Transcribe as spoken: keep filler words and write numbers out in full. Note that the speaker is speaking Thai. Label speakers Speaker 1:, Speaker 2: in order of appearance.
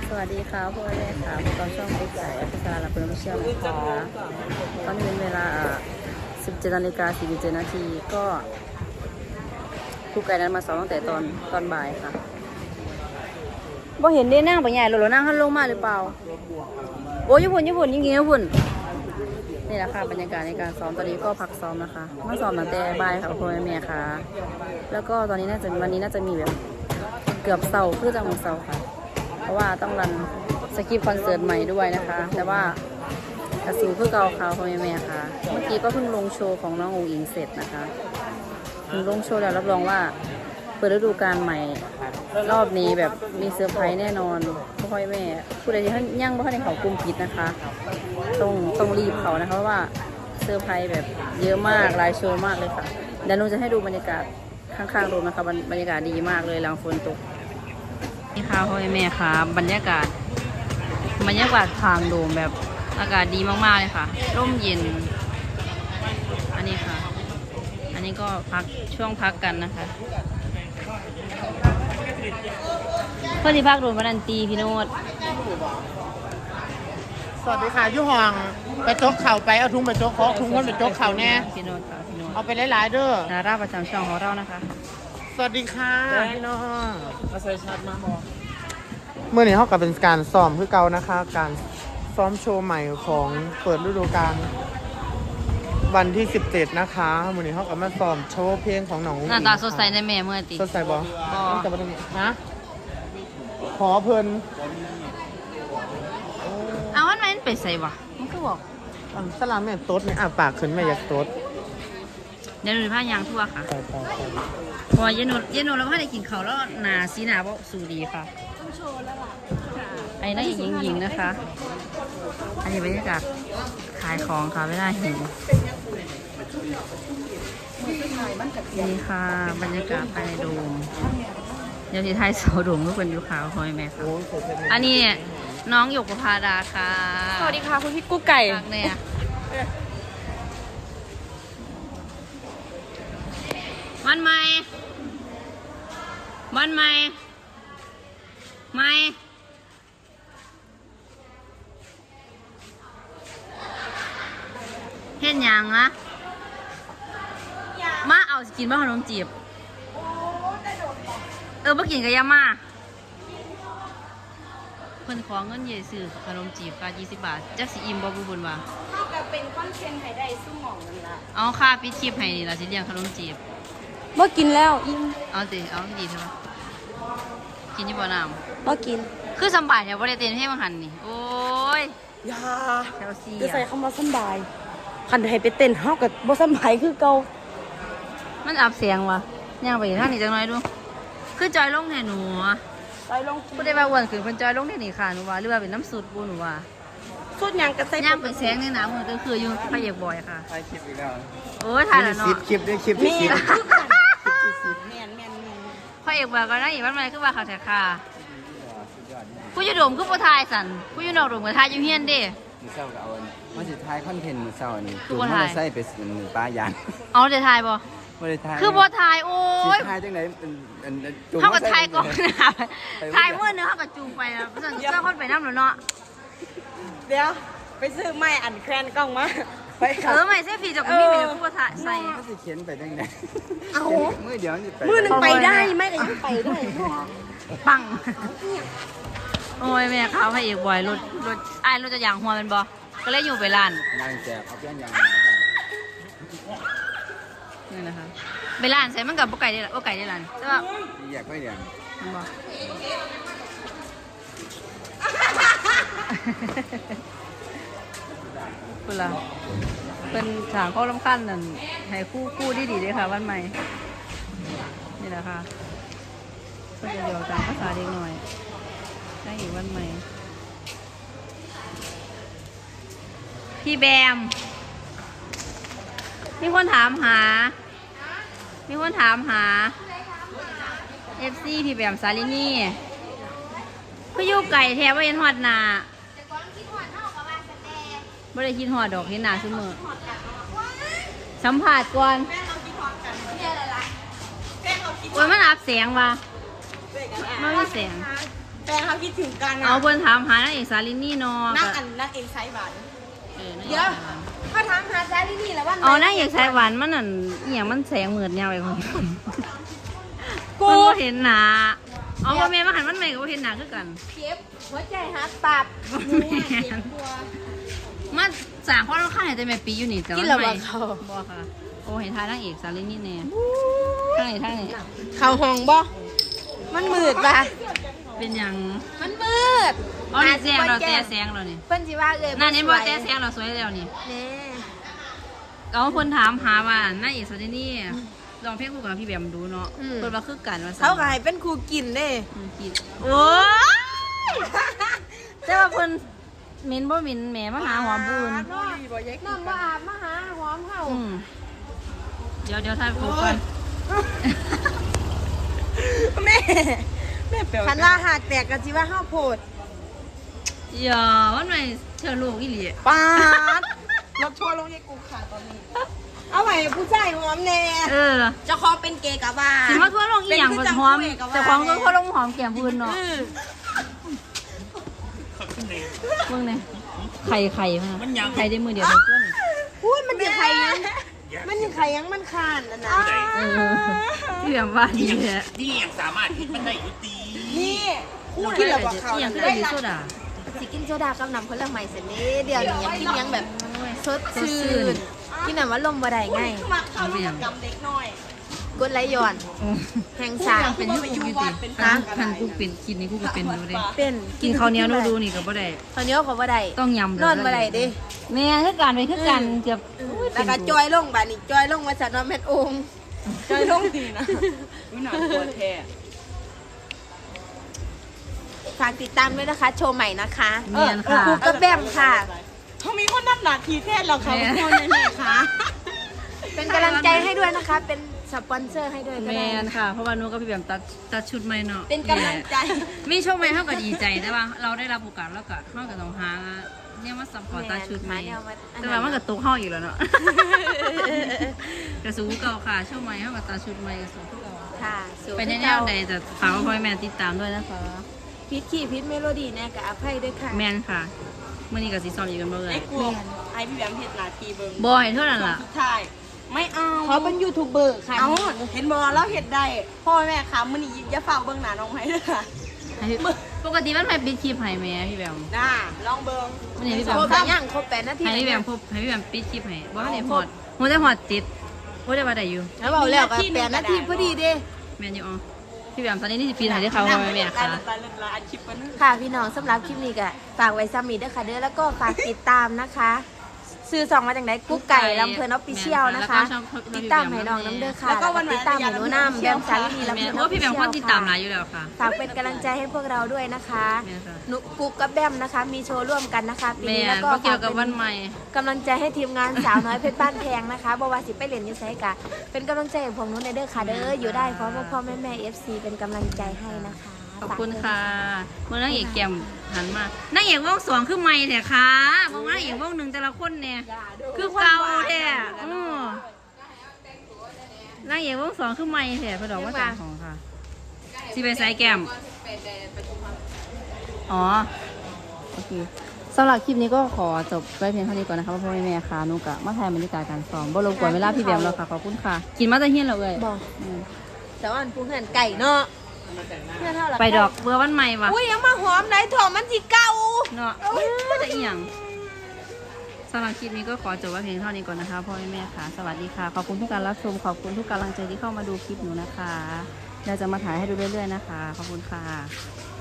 Speaker 1: สวัสดีค่ะพ่อแม่ค่ะพวกเราช่องเอ็กซ์ไอแอฟริกาและเพื่อนผู้เชี่ยวนะคะตอนนี้เป็นเวลาสิบเจ็ดนาฬิกาสี่สิบเจ็ดนาทีก็ครูไก่นั้นมาสอนตั้งแต่ตอนตอนบ่ายค่ะบ่เห็นได้นั่งไปใหญ่หรอนั่งข้างลงมาหรือเปล่าโอ้ยญี่ปุ่นญี่ปุ่นยิงๆญี่ปุ่นนี่แหละค่ะบรรยากาศในการซ้อมตอนนี้ก็พักซ้อมนะคะมาซ้อมตั้งแต่บ่ายค่ะพ่อแม่ค่ะแล้วก็ตอนนี้น่าจะวันนี้น่าจะมีแบบเกือบเสาร์คือจังหวะเสาร์ค่ะเพราะว่าต้องรันสคริปต์คอนเสิร์ตใหม่ด้วยนะคะแต่ว่ากระสิวเพื่อเกาเขาพ่อแม่ค่ะเมื่อกี้ก็เพิ่งลงโชว์ของน้ององอิงเสร็จนะคะเพิ่งลงโชว์แล้วรับรองว่าเปิดฤดูกาลใหม่รอบนี้แบบมีเซอร์ไพรส์แน่นอนพ่อแม่ผู้ใดที่ท่านยั่งว่าในเขากลุ่มปิดนะคะต้องต้องรีบเขานะคะเพราะว่าเซอร์ไพรส์แบบเยอะมากหลายโชว์มากเลยค่ะเดี๋ยวหนูจะให้ดูบรรยากาศข้างๆโดมนะคะบรรยากาศดีมากเลยหลังฝนตกนี่ค่ะพ่อแม่ค่ะบรรยากาศบรรยากาศทางโดมแบบอากาศดีมากๆเลยค่ะร่มเย็นอันนี้ค่ะอันนี้ก็พักช่วงพักกันนะคะเพื่อนที่พักโดมวันนันตีพี่โนด
Speaker 2: สวัสดีค่ะยุห่องไปโจ๊กเข่าไปเอาทุ่งไปโจ๊กเขาทุ่งคนไปโจ๊กเข่าแน่
Speaker 1: พี่โนดค่ะพี่โนด
Speaker 2: เอาไปหลายๆเด้อ
Speaker 1: ดาราประจำช่องของเรานะคะ
Speaker 2: สวัสดีค่ะพี่น้องอาศัยชัดมาบอกเมื่อนี้เขากับเป็นการซ้อมคือเก่านะคะ การซ้อมโชว์ใหม่ของเปิดฤดูกาลวันที่สิบเจ็ดนะคะเมื่อนี้เขากับมาซ้อมโชว์เพลงของน้อง
Speaker 1: หน้าตาสดใสในแม่เมื่อตี
Speaker 2: สดใสบอ
Speaker 1: บ่
Speaker 2: แต่ประเด็นฮะขอเพลิน
Speaker 1: เอาวันนั้นไปใส่วะมันก็บอก
Speaker 2: อ่ะสลามแม่ต๊ดเนี่ยอ่ะปากขึ้นแม่อยากต๊ด
Speaker 1: เดี๋ยวหนูพายางทั่วค่ะ
Speaker 2: ไปไปไป
Speaker 1: พอเย็นหนูเย็นหนูแล้วพาได้กินเขาวแล้วหนาสีหนาบอกสูดีค่ะไอ้นั่นอีกหญิงๆนะคะ อันนี้บรรยากาศขายของค่ะไม่ได้หิวนี่ค่ะบรรยากาศภายในโดมเดี๋ยวที่ไทยโซโดมทุกคนอยู่ขาวคอยแม่ค่ะอันนี้น้องหยกประภาดาค่ะ
Speaker 3: สวัสดีค่ะคุณพี่กุ๊กไก่
Speaker 1: เนี่ยมันไหมมันไหมไม่เห็นยังนะมาเอาสกินบ้าขนมจีบเออมากินกับยามาเพิ่นขอเงินเยซื้อขนมจีบกายี่สิบบาทจักสิอิ่มบ่บุบุญว่า
Speaker 3: เท่ากับเป็นคอนเทนต์ไข่ได้สู้หม่องนั่นละ
Speaker 1: เอาค่าปิดคลิปให้นี่ล่ะสิเลี้ยงขนมจีบ
Speaker 3: เมื่อกินแล้วอิ่ม
Speaker 1: เอาสิเอาดีใช่ปะกินยี่บ่น้ำ
Speaker 3: เมื่อกิน
Speaker 1: คือสบายแถวบริเตนให้มาหันนี่โอ้ย
Speaker 3: ยา
Speaker 1: แถวซี
Speaker 3: จะใส่คำว่าสบายคันให้ไปเต้นเฮากับบ่สบายคือเก่า
Speaker 1: มันอับเสียงวะย่างไปท่านนี่จังน้อยดูคือจอยลงแห่หนู
Speaker 3: ไปลง
Speaker 1: ผู้ได้มาอ้วนขึ้นเพิ่นจอยลงแห่นี่ค่ะหนูว่าหรือว่าเป็นน้ำสูตรกูหนูว่า
Speaker 3: สุดหยังก็ใส่
Speaker 1: ย่างไปแสงในน้ำมันก็คืออยู่พระเอกบ่อยค่ะ
Speaker 2: ถ่ายคลิปอีกแล้ว
Speaker 1: โอ้ยถ่ายแล้วเนาะ
Speaker 2: คลิปด้วยคลิปที่สิบ
Speaker 3: แม่นแม่นแม่น
Speaker 1: พระเอกบ่อยก็นั่งอีกวันใหม่คือว่าเขาแท้ค่ะผู้อยู่โดมคือบ่ทายสั่นผู้อยู่นอกโดมก็ทายอยู่เฮียนเด้
Speaker 4: มือเศร้ากับเอามาสิทายคอนเทนต์มือเศร้านี่จูงมอเตอร์ไซค์ไปมือป้ายาง
Speaker 1: เอาจะทายบ่
Speaker 4: บ่ได้ทาย
Speaker 1: คือบ่ทายโอ้ย
Speaker 4: ทายจังได๋เป็นจูง
Speaker 1: เฮาก็ทายก่อนนะทายมื้อนึงเฮาก็จูงไปอ่ะเพราะฉะนั้นเจ้าคนไปนำแล้วเนาะ
Speaker 3: เดี๋ยวไปซื้อไม้อันแครนกล้องมาไป
Speaker 1: เออไม่เซฟฟี่จะก็มีเป็นผู้บ่ทายใส่
Speaker 4: เขาสิเขียนไปจังได๋
Speaker 3: เอา
Speaker 4: มื้อเดียวนี่ไป
Speaker 3: มื้อนึงไปได้ไม่ก็ยังไปได้
Speaker 1: ปังโอ้ยแม่เขาพระเอกบ่อยรถรถอ้ายรถจะยางหัวมันบ่ก็เลยอยู่ไปร้าน
Speaker 4: ยางแจกเอาเพี้ยนยาง
Speaker 1: นี่นะคะไปร้านใส่มันกับบ่ไก่ได้ล่ะบ่ไก่ได้ร้านใช่ป่ะ
Speaker 4: อยากไม่เดียง
Speaker 1: มันบ่พุ่นล่ะเป็นฉากข้อลำคัญนั่นให้คู่คู่ดีๆเลยค่ะวันใหม่นี่แหละค่ะก็จะเดี๋ยวตามภาษาเด็กหน่อยได้อีกวันใหม่พี่แบมมีคนถามหามีคนถามหาเอฟซีพี่แบมซาลินี่ก็อยู่ไก่แทบว่ายันหอดนาไม่ได้คิดหอดดอกที่นาชุ่มมือสัมผัสก่อนโอ้ยมันอับเสียงว่ะไม่มีเสียง
Speaker 3: แฟนเขาคิดถึงกัน
Speaker 1: เอา
Speaker 3: อ่ะ
Speaker 1: เพิ่นถามหานางเอกสาลินีเนาะ
Speaker 3: นัก
Speaker 1: ก็
Speaker 3: อันนักเอกไซส์บัน
Speaker 1: เออนางเอก
Speaker 3: เดี๋ยว
Speaker 1: สายหวาน
Speaker 3: เขาถามหาแซลี่นี่แหละว่า
Speaker 1: เอานางเอกสายหวานมันนั่นอหย่างมันแสงเหมือนยาวไปคน
Speaker 3: กู
Speaker 1: มันบ่เห็นหน้าเอาบ่แม่นมาหันมันใหม่ก็บ่เห็นหน้าคือกัน
Speaker 3: เจ็บหัวใจหักตับ
Speaker 1: บ่แม่น
Speaker 3: กลัว
Speaker 1: มันสร้างความรำคาญให้แต่แม่ปีอยู่นี่แต่
Speaker 3: กิ
Speaker 1: ว่าน
Speaker 3: แล้ว
Speaker 1: ใหม่
Speaker 3: บ่เขา
Speaker 1: บ่ค่ะโอ้เห็นทายนางเอกสาลินีแน่ทางนี้ทางนี้
Speaker 3: เขาห้องบ่มันมืดป่ะ
Speaker 1: เป็นหยัง
Speaker 3: มันมืด
Speaker 1: อ๋อนี่แสงเราแต่แสงเรานี่
Speaker 3: เพิ่นสิว่าเอ้ย
Speaker 1: หน้านี้บ่แต่แสงเราสวยแล้วนี่
Speaker 3: แน่
Speaker 1: เอาคนถามหาว่านางเอกสาลินีลองเพลงคู่กับพี่แบมดูเนาะเพิ่นว่าคือกันว่าซั่น
Speaker 3: เขาก็ให้เป็นครูกินเด้
Speaker 1: อืมกินโอ้ยแต่ว่าเพิ่นเหม็นบ่เหม็นแหมมาหาหอมบุญ
Speaker 3: น้องว่าอาบมาหาหอมเฮา
Speaker 1: อืมเดี๋ยวเดี๋ยวถ่ายรูปก่อน
Speaker 3: แม่แม่เปียวคันว่าหากแตกก็สิว่าเฮาโพด
Speaker 1: อย่าวันใหม่เชิญลูกอีหลี
Speaker 3: ปาดรถทัวร์ลงยายกูค่ะตอนนี้ เอาไว้ผู้ชายหอมแน่
Speaker 1: เออ
Speaker 3: เจะขอเป็นเกย์กับว่า
Speaker 1: สิมาทั่วลงอีหยังบ่หอมเจ้าของก็ทั่วลงหอมแก้มพื้นเนาะ
Speaker 3: อืม
Speaker 1: เบิ่งแน่ไข่ไข่มาไข่ได้มือเดียวเท่านั้น
Speaker 3: พูดมันจะใครยังมันยังใครยังมันคานนะนะ
Speaker 1: เออพี่แบบว่าดีแท้
Speaker 5: ที่ยังสามารถคิดมันได้อยู่ตี
Speaker 3: นี่พูดที่เราบอกเขา
Speaker 1: อีหยังคือได้ดีโซดา
Speaker 3: สิกินโซดากับน้ำผลไม้เสร็จนี้เดี๋ยวนี้ยังกินยังแบบสดชื่
Speaker 1: สดชื่น
Speaker 3: นกินน้ำว่าลมบ่ได้ไง
Speaker 1: เอาไปหยัง
Speaker 3: กดไหลย้อน
Speaker 1: โอ้
Speaker 3: แห่งชา
Speaker 1: ยังเป็นยุคอยู่ติคันคันกูเป็นกินนี่กูก็เป็นดูเด้
Speaker 3: เป็น
Speaker 1: กินข้าวเหนียวดูๆนี่ก็บ่ได้
Speaker 3: ข้าวเหนียวเขาบ่ได้
Speaker 1: ต้องยำ
Speaker 3: นอนบ่ได้เด้
Speaker 1: แม่คือกันไปคือกันเกือบ
Speaker 3: แล้วก็จอยลงบาดนี้จอยลงมาจากนอนแม่นองค์จอยลงดีนะ
Speaker 5: วินาตัวแท้
Speaker 3: ฝากติดตามด้วยนะคะ โชว์ใหม่นะคะ
Speaker 1: เมียนค่ะ
Speaker 3: ครูก็แบมค่ะ
Speaker 5: เขามีคนนับหนาทีแท้เราเขา
Speaker 1: แม่
Speaker 5: คนแน่ๆค่ะ
Speaker 3: เป็นกำลังใจให้ด้วยนะคะ เป็นสปอนเซอร์ให้ด้วยก็
Speaker 1: แม
Speaker 3: ได้
Speaker 1: นค่ะ เพราะว่าหนูกับพี่แบมตัดตัดชุดใหม่เนาะ
Speaker 3: เป็นกำลังใจ
Speaker 1: มีโชคใหม่เท่ากับดีใจแต่ว่าเราได้รับโอกาสแล้วก็เท่ากับต้องหาเนี่ยมาซัพพอร์ตตัดชุดใหม่
Speaker 3: แม่นหาแนวมาอันนั้น
Speaker 1: แต่ว่ามันก็ตกห้องอีกแล้วเนาะ กระสูเก่าค่ะโชคใหม่เท่ากับตัดชุดใหม่กระสูเก่า
Speaker 3: ค่ะสู่
Speaker 1: ไปในแนวใดแต่ฝากพ่อแม่ติดตามด้วยนะคะ
Speaker 3: พิษขี่พิษเมโลดี้เนี่ยกับอภัยด้วยค่ะ
Speaker 1: แมนค่ะเมื่อนี้กับซีซอมอยู่กันบ่เล
Speaker 5: ไอ้
Speaker 1: ย
Speaker 5: กลัวไอ้พี่แบมเห็ดหนาทีเบิ้ง
Speaker 1: บอยเท่านั้นล่ะ
Speaker 5: สุดท้ายไม่เอา
Speaker 3: เขาเป็นยูทูบเบอร์ค่ะ
Speaker 5: เอาเห็นบอแล้วเห็ดได้พ่อแม่ค่ะมันนี่อย่าเฝ้าเบิ้งหนาน้องไม้ด้วยค่ะ
Speaker 1: ปกติมันไม่ปิดคลิปให้แม่พี่แบม
Speaker 5: น่าลองเบิ้ง
Speaker 1: วันนี้พี่แบม
Speaker 3: โคตรย่างครบแปดนาที
Speaker 1: ให้พี่แบมพบให้พี่แบมปิดคลิปให้บ่ให้หอดหัวได้หอดติดหัวได้ว่าได้อยู่
Speaker 3: แล้วบอกแล้วกับแปดนาทีพอดีเด้
Speaker 1: แม่นอยู่อ๋อพี่แบมตอนนี้นี่สิปีไหนที่เขาเอาไปแม่
Speaker 5: ตา
Speaker 1: ค่ะ
Speaker 5: ยตายตายอัดคลิปมัน
Speaker 3: ค่ะพี่น้องสำหรับคลิปนี้ก็ฝากไว้ซ้ำอีกด้วยค่ะเด้อแล้วก็ฝากติดตามนะคะซื้อสองมาจากไหนกุ๊กไก่ลำเพลินออฟฟิเชียลนะคะ ติดตามให้น้องน้ำเด้อค่ะแล้วก็ติดตามให้หนูน้ำแบมสาลีลำเพ
Speaker 1: แม่
Speaker 3: ลิน
Speaker 1: เพ
Speaker 3: ออ
Speaker 1: ราะ
Speaker 3: ฟฟิ
Speaker 1: พี่แบ
Speaker 3: เชีย
Speaker 1: ม
Speaker 3: ล
Speaker 1: คนติดตามหลาย
Speaker 3: ค่ะ
Speaker 1: อยู่แล้วค่ะ
Speaker 3: ฝากเป็นกำลังใจให้พวกเราด้วยนะคะ
Speaker 1: แม่ค่ะ
Speaker 3: หนุกุ๊กกับแบมนะคะมีโชว์ร่วมกันนะคะปี
Speaker 1: แม่
Speaker 3: นี้แล้วก็
Speaker 1: ก็เกี่ยวกับ
Speaker 3: ฝา
Speaker 1: วันใหม่
Speaker 3: กำลังใจให้ทีมงานสาวน้อยเพชรบ้านแพงนะคะบวาสิไปเรียนอยูไซกะเป็นกำลังใจของผมนุ้นในเด้อค่ะเด้ออยู่ได้เพราะพ่อพ่อแม่แม่เอฟซีเป็นกำลังใจให้นะคะ
Speaker 1: ขอบคุณค่ะเมื่อนางเอกแก้มหันมานางเอกวงสองคือไม่แท้ค่ะมองนางเอกวงหนึ่งแต่ละคนเนี่ยคือเก่าแท้อือนางเอกวงสองคือไม่แท้เพอดอกว่าต่างของค่ะสิไปใส่แก้มอ๋อโอเคสำหรับคลิปนี้ก็ขอจบไว้เพียงเท่านี้ก่อนนะคะพ่อแม่แม่ค่ะนุกะมาถ่ายบรรยากาศการซ้อมบ่รบกวนเวลาพี่แบมแล้วค่ะขอบคุณค่ะ กินมาแต่เฮียนเราเลย
Speaker 3: บอกแต่ว่าอันปูเหือนไก่เนาะเพื่อนเท่าหลั
Speaker 1: ไปดอกเบื่อวันใหม่ว่ะ
Speaker 3: อุ้ยยังมาหอมไหนถ่อมมันสิเก่า
Speaker 1: เนาะจะอีหยังสำหรับคลิปนี้ก็ขอจบไว้เพียงเท่านี้ก่อนนะคะพ่อแม่ค่ะ สวัสดีค่ะ ขอบคุณทุกการรับชม ขอบคุณทุกกำลังใจที่เข้ามาดูคลิปหนูนะคะเราจะมาถ่ายให้ดูเรื่อยๆนะคะ ขอบคุณค่ะ